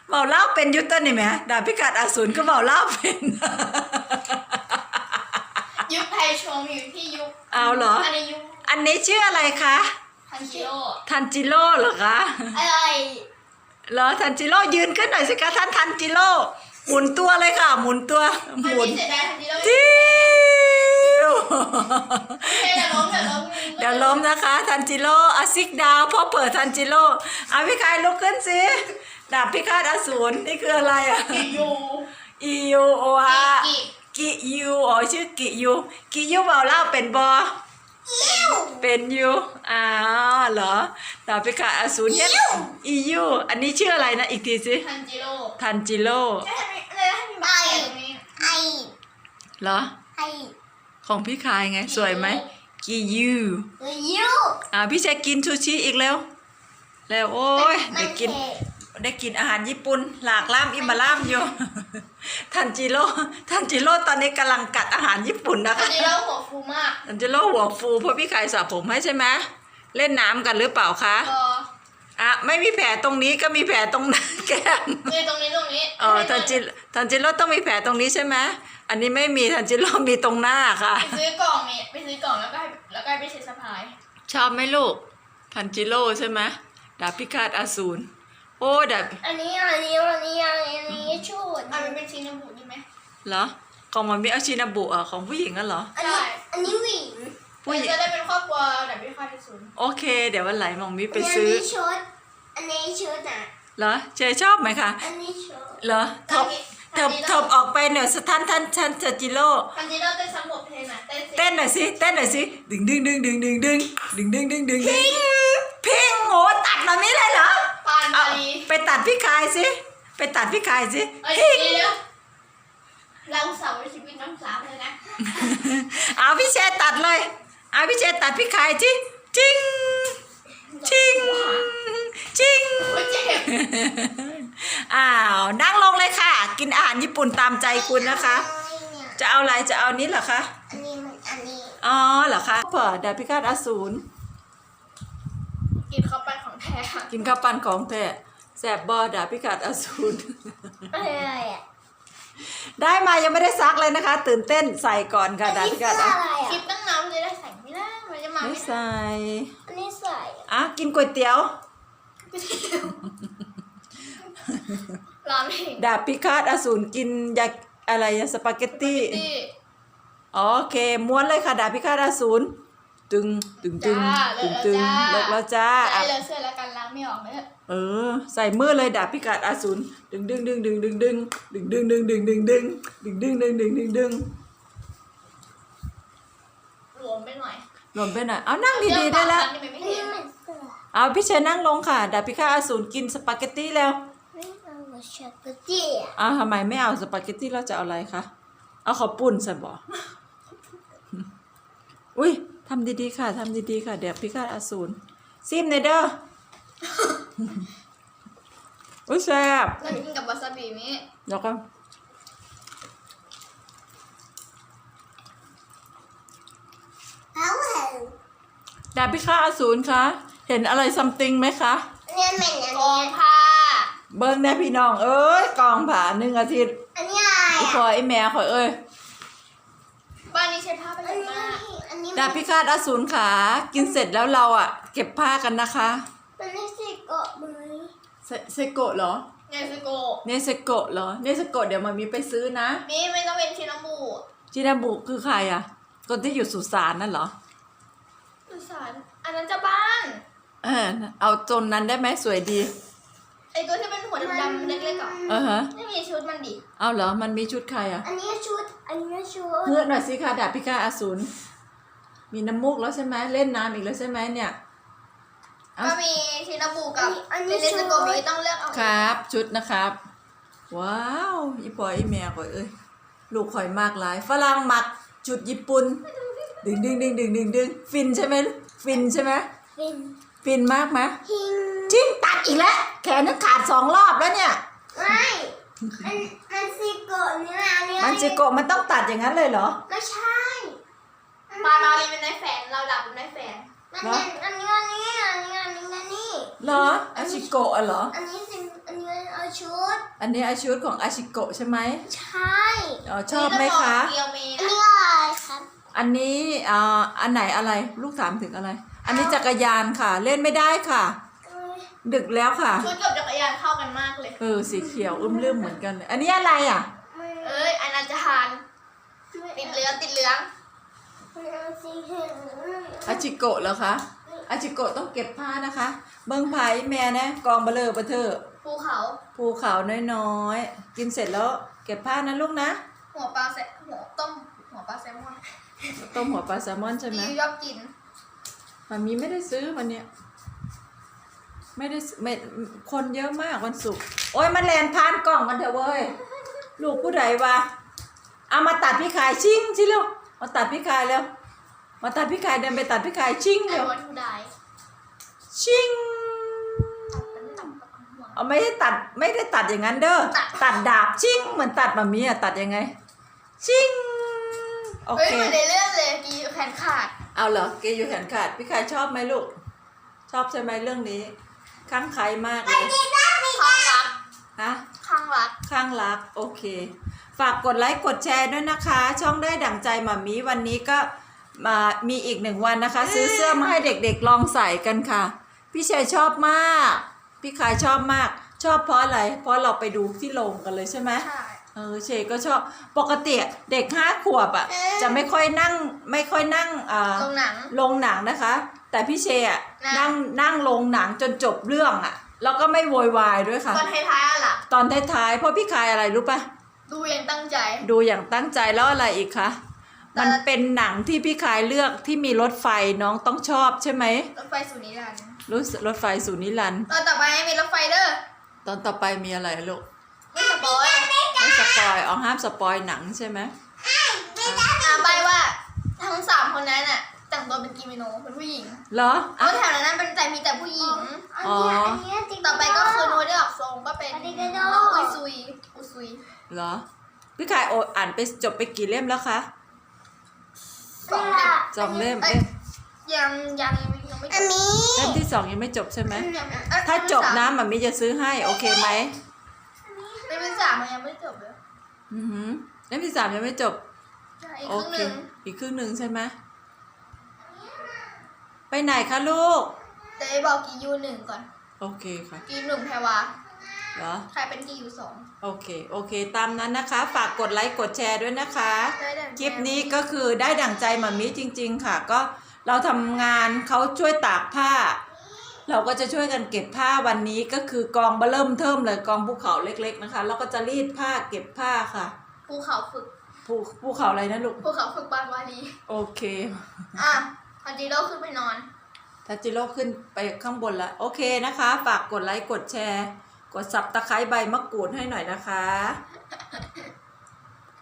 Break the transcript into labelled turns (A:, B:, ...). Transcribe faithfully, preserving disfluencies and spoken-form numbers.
A: เมาเล่าเป็นยุตเต้นนี่ไหมดาบพิฆาตอสูรก็เมาเล่าเป็น
B: ยุคไทยชงอยู่ที่ยุค
A: เอาเหรอ
B: อันนี้ยุค
A: อันนี้ชื่ออะไรคะ
B: ทันจิโร่
A: ทันจิโร่เหรอคะ
B: อะไร
A: เหรอทันจิโร่ยืนขึ้นหน่อยสิคะท่านทันจิโร่หมุนตัวเลยค่ะ หมุนตัวห
B: มัน
A: มุน
B: มีเสียดายทันจิโร่
A: จิ้ว
B: เดี๋ยวล้มเดี๋ยวล้ม
A: เดี๋ยวล้มนะคะทันจิโร่อาซิกดาวพ่อเปิดทันจิโร่เอาพี่กายลุกขึ้นสิดาบพิฆาตอสูรนี่คืออะไรอ่ะ
B: กิยู
A: อียูโออา
B: กิ
A: กิยูอ๋อชื่อกิยูกิยูเบาเล่าเป็นบอ
B: อิว
A: เป็นยูอ้าวเหรอดาบพิฆาตอสูรเนี่ยอียูอันนี้ชื่ออะไรนะอีกทีสิ
B: ทันจิโร่
A: ทันจิโร่
B: จะทำอะไรให้มีบ้าตรงนี้ไอ
A: เหรอ
B: ไอ
A: ของพี่คายไงสวยไหมกิยู
B: ยู
A: อ่าพี่ชายกินซูชิอีกแล้วแล้วโอ้ยได้กินได้กินอาหารญี่ปุ่นหลากล่ามอิมาล่ามอยู่ ทันจิโร่ทันจิโร่ตอนนี้กำลังกัดอาหารญี่ปุ่นนะ
B: ทัน
A: คะ
B: จิโร่หัวฟูมาก
A: ทันจิโร่หัวฟูเพราะพี่คายสระผมให้ใช่ไหมเล่นน้ำกันหรือเปล่าคะ
B: ก็
A: อ่ะไม่มีแผลตรงนี้ก็มีแผลตรงนั้นแก้ม
B: มีตรงนี้ตรงนี้
A: เออทันจิทันจิโร่ต้องมีแผลตรงนี้ใช่ไหมอันนี้ไม่มีทันจิโร่มีตรงหน้าค่ะ
B: ไปซื้อกล่องนี่ไปซื้อกล่องแล้วก็ให้แล้วก็ให้ไปเช็ดสะพาย
A: ชอบไหมลูกทันจิโร่ใช่ไหมดาบพิฆาตอสูรโอ้ดาบ
B: อันนี้อันนี้อันนี้อันนี้ชุดอันนี้เป็นชิ้นน้ำบุใช่ไหม
A: เหรอของมันมีอาชินาบุอ่ะของผู้หญิงอ่ะเหรอ
B: อันนี้อันนี้หวิง
A: ผู้หญิง
B: จะได้เป็นครอบครัวแบบไม่ค่อยที่สุด
A: โอเค เดี๋ยววันไหนมองมิไปซื้อ
B: อันนี้ชุดอันนี้ชุดอ่ะ
A: เหรอเชยชอบไหมคะ
B: อันนี้ชุด
A: เหรอทบทบทบออกไปเนี่ยสถานท่านท่านทันจิโร่
B: ทันจิโร่เต้นสมบเพลงอ่ะเต้นสิ
A: เต้นหน่อยสิเต้นหน่อยสิดึงดึงดึงดึงดึงดึงดึงดึงดึงดึงดึงพิงโหตัดมาไม่เลยเหรอ
B: ปาน
A: เอา
B: ปารี
A: ไปตัดพี่คายสิไปตัดพี่คายสิ
B: เอ้ย
A: พิง
B: เดี๋ยวเราสาวชีวิตน้องสาวเลยนะ
A: เอาพี่เชยตัดเลยเอาพี่เชยตัดพี่คายจิจิงจิงจิง
B: โอ้ยเจ็บ
A: อ้าวนั่งลงเลยค่ะ กินอาหารญี่ปุ่นตามใจคุณนะคะ จะเอาอะไรจะเอานี้เหรอคะ
B: อันนี้มันอันนี้
A: อ๋อเหรอคะเปิดดาบพิฆาตอสูร
B: กินเข้าไปของแท้ค่ะ
A: กินข้าวปั้นของแท้แสบบอดาบพิฆาตอสูร
B: อะไรอ่ะ
A: ได้มายังไม่ได้ซักเลยนะคะ ตื่นเต้นใส่ก่อนค่ะดาบพิฆาตอสูร
B: คลิปตั้งน้ำจะได้ใส่ไม่ได้มันจะมา
A: ไม่
B: ไม่ได้
A: ใส่
B: อันนี้ใส่
A: อ่ะกินก๋วยเตี๋ยว
B: ร้อนเอง
A: ดาบพิฆาตอสูรกินยาอะไรสปาเกตตี้
B: ที่
A: โอเคม้วนเลยค่ะดาบพิฆาตอสูรตึงตึงตึงตึงตึงเลิกแล้วจ้า
B: ใส่เลยเสื้อแล้วกันล้างไม่ออกเลย
A: เออใส่มือเลยดาบพิฆาตอสูรดึงดึงดึงดึงดึงดึงดึงดึงดึงดึงดึงดึงดึงดึงดึงดึงดึงดึง
B: หลวมไปหน่อย
A: รวมไปหน่อยเอานั่งดีๆได้แล้ว
B: นี่มันไม่เห็น
A: เอาพี่เชยนั่งลงค่ะดาบพิฆาตอสูรกินสปาเกตตี้แล้ว
B: ไม่เอาสปาเกตตี้
A: อ้าวทำไมไม่เอาสปาเกตตี้เราจะเอาอะไรคะเอาข้าวปุ้นใส่บ่ อุ้ยทำดีๆค่ะทำดีๆค่ะดาบพิฆาตอสูรซิมเนเด้อ อุ้ยแซ่บ
B: เรากินกับวาซาบินี้
A: เดี๋ยวก็
B: เอาเหรอ
A: ดาบพิฆาตอสูรคะเห็นอะไรซัมติงไหมคะ
B: เนี่ยเหม็นอันนี้กองผ้า
A: เบิ้งแน่พี่น้องเอ้ยกองผ่าหนึ่งอาทิตย์
B: อันนี้อะไร
A: อีค
B: อ่ะ
A: อยไอแม่คอยเอ้ย
B: บ้านนี้ใช้ผ้าเป็นมากอันนี้
A: ดาบพิฆาตอสูรขากินเสร็จแล้วเราอ่ะ เก็บผ้ากันนะคะ
B: มันไม่ใช่เกาะมือ
A: เซเซโกะเหรอ
B: เนสโก
A: เนสโกะเหรอเนสโกะเดี๋ยวมามีไปซื้อนะ
B: นี่ไม่ต้องเป็นชินาบุ
A: จินาบุคือใครอ่ะคนที่อยู่สุสานนั่นเหรอ
B: สุสานอันนั้นจะบ้าน
A: เออเอาจนนั้นได้ไหมสวยดี
B: ไอตัวที่เป็นหัวดำๆเล็กๆอ่ะ
A: เออฮะ
B: ไม่มีชุดมันดิ
A: เอาเหรอมันมีชุดใครอ่ะ
B: อันนี้ชุด อันนี้ชุด
A: เพื่อนหน่อยสิคะดาบพิฆาตอสูรมีน้ำมูกแล้วใช่ไหมเล่นน้ำอีกแล้วใช่ไหมเนี่ยเอา
B: ก็มีชินาบุกับเป็นเนสโกมีต้องเลือกเอา
A: ครับชุดนะครับ ว้าวอีปอยอีแม่ข่อยเอ้ยลูกข่อยมากหลายฝรั่งมักชุดญี่ปุ่นดึงดึงดึงดึงดึงดึงฟินใช่ไหมฟินใช่ไหม
B: เป็น
A: ฟินมากไหม
B: พิง
A: จิ้งตัดอีกแล้วแขนนึกขาดสองรอบแล้วเนี่ย
B: ไม่มันมันซิโกะเนื้ออันนี้
A: มันจิโกะมันต้องตัดอย่างนั้นเลยเหรอ
B: ไม่ใช่ปลาลอรีเป็นนายแฝนเราดับเป็นนายแฝนอันนี้อันนี้อันนี้อันนี้อันนี้อันนี้
A: เหรออาชิโกะอะเหรอ
B: อันนี้สิอันนี้เอาชุด
A: อันนี้อาชุดของอาชิโกะใช่ไหม
B: ใช่
A: อ๋อชอบไหมคะ
B: อันนี้อะไรครับ
A: อันนี้อ่าอันไหนอะไรลูกถามถึงอะไร อันนี้จักรยานค่ะ เล่นไม่ได้ค่ะ ดึกแล้วค่ะ
C: ชุดกับจักรยานเข้ากันมากเลย
A: เออสีเขียวอึมลืมเหมือนกันเลยอันนี้อะไรอ่ะ
C: เอ้ยอันนั้นจะทานติดเหลืองติดเหลือง
B: สีเขียว
A: อาชิโกะเหรอคะอาชิโกะต้องเก็บผ้านะคะ เบิ้งไผ่แม่นะกองเบลอเบอเธอ
C: ภูเขา
A: ภูเขาน้อยๆกินเสร็จแล้วเก็บผ้านะลูกนะ
C: หัวปลาแซลหัวต้มหัวปลาแซลมอน
A: ต้มหัวปลาแซลมอนใช่ไหม
C: ที่ชอบกิน
A: มันมีไม่ได้ซื้อวันเนี้ยไม่ได้ซื้อไม่คนเยอะมากวันศุกร์โอ้ยมันแลนพานกล่องกันเถอะเว้ยลูกผู้ใดวะเอามาตัดพี่ขายชิงชิเร็วมาตัดพี่ขายเร็วมาตัดพี่ขายเดินไปตัดพี่ขายชิง
C: ไอ้
A: เร็ว
C: วันทูได
A: ชิง
C: ตัดเป็นตัดกับหัว
A: เอาไม่ได้ตัดไม่ได้ตัดอย่างนั้นเด้อ
C: ตัด
A: ตัดดาบชิงเหมือนตัดมามีอะตัดยังไงชิงโอ
C: เฮ้ย
A: เค
C: เหมือนในเรื่องเลยกีแขนขาด
A: เอาเหรอเกย์อยู่แขนขาดพี่ขายชอบไหมลูกชอบใช่ไหมเรื่องนี้ข้างใครมากเลย
C: ข้างรัก
A: ฮะ
C: ข้างรัก
A: ข้างรักโอเค ฝากกดไลค์กดแชร์ด้วยนะคะ ช่องได้ดั่งใจหมามีวันนี้ก็มามีอีกหนึ่งวันนะคะ ซื้อเสื้อมาให้เด็กๆลองใส่กันค่ะ พี่ชัยชอบมาก พี่ขายชอบมาก ชอบเพราะอะไร เพราะเราไปดูที่โรงกันเลยใช่ไหม
C: ใช่
A: เออเชก็ชอบปกติเด็กห้าขวบอ่ะจะไม่ค่อยนั่งไม่ค่อยนั่งอ่า
C: โรงหนัง
A: โรงหนังนะคะ แต่พี่เชอ่ะ
C: นั่
A: นั่ง
C: ง
A: นั่งโรงหนังจนจบเรื่องอ่ะแล้วก็ไม่โวยวายด้วยค่ะ
C: ตอนท้ายๆอะล่ะ
A: ตอนท้ายๆเพราะพี่ขายอะไรรู้ปะ
C: ดูอย่างตั้งใจ
A: ดูอย่างตั้งใจแล้วอะไรอีกคะ
C: แต่
A: มันเป็นหนังที่พี่ขายเลือกที่มีรถไฟน้องต้องชอบใช่ไหม
C: รถไฟสุนิรันดร์
A: รู้สึกรถไฟสู่นิรันดร์
C: ตอนต่อไปมีรถไฟเด้อ
A: ตอนต่อไปมีอะไรลูก
C: ไม่สปอย
A: ไม่สปอยอ๋อห้ามสปอยหนังใช่ไหม
C: อ่าใบว่าทั้งสามคนนั้นน่ะแต่งตัวเป็นกิโมโนเป็นผู้หญิง
A: เหรอ
C: แล้
A: อ่ะ
C: วแถวนั้นเป็นแต่มีแต่ผู้หญิง
B: อันนี้อันนี้จริง
C: ต่อไปก็คือโนได้ออกทรงก็เป็น
B: อันนี้ก็โด
C: น้องอุยซุยอุยซุย
A: เหรอพี่ขายโออ่านไปจบไปกี่เล่มแล้วคะ
C: สองเล่ม
A: สองเล่ม
C: อ้ย
A: เล่ม
C: ยังยังยังไม่จ
B: อัน
C: บ
B: นี้
A: เล่มที่สองยังไม่จบใช่ไหม
C: ยังเอ้ย
A: ถ้าจบนะหมามีจะซื้อให้โอเคไหม
C: เล่มที่สามมันยังไม่จบเลย
A: อือหือเล่มที่สามยังไม่จบ
C: ใช่อีก
A: โอ
C: ครึ่ง
A: เค
C: หนึ่ง
A: อีกครึ่งหนึ่งใช่ไหมไปไหนคะลูก
C: แต่ไอ้บอกกียูหนึ่งก่อน
A: โอเคค่ะ
C: กีหนึ่งแพรวา
A: เหรอ
C: ใครเป็นกียูสอง
A: โอเค โอเค ตามนั้นนะคะ ฝากกดไลค์ กดแชร์ด้วยนะคะ
C: ได้ดั่ง
A: คลิปนี้ก็คือได้ดั่งใจหมามิจริง ๆ ค่ะ ก็เราทำงานเขาช่วยตากผ้า เราก็จะช่วยกันเก็บผ้าวันนี้ก็คือกองเบอเริ่มเทิมเลยกองภูเขาเล็ก ๆนะคะ แล้วก็จะรีดผ้าเก็บผ้าค่ะ
C: ภูเขาฝึก
A: ภูภูเขาอะไรนะลูก
C: ภูเขาฝึกบานวารี
A: โอเค
C: อ่ะพันจีโร่ขึ้นไปนอน
A: ทัจิโร่ขึ้นไปข้างบนแล้ว โอเคนะคะ ฝากกดไลค์ กดแชร์ กดสับตะไคร้ใบมะกรูดให้หน่อยนะคะ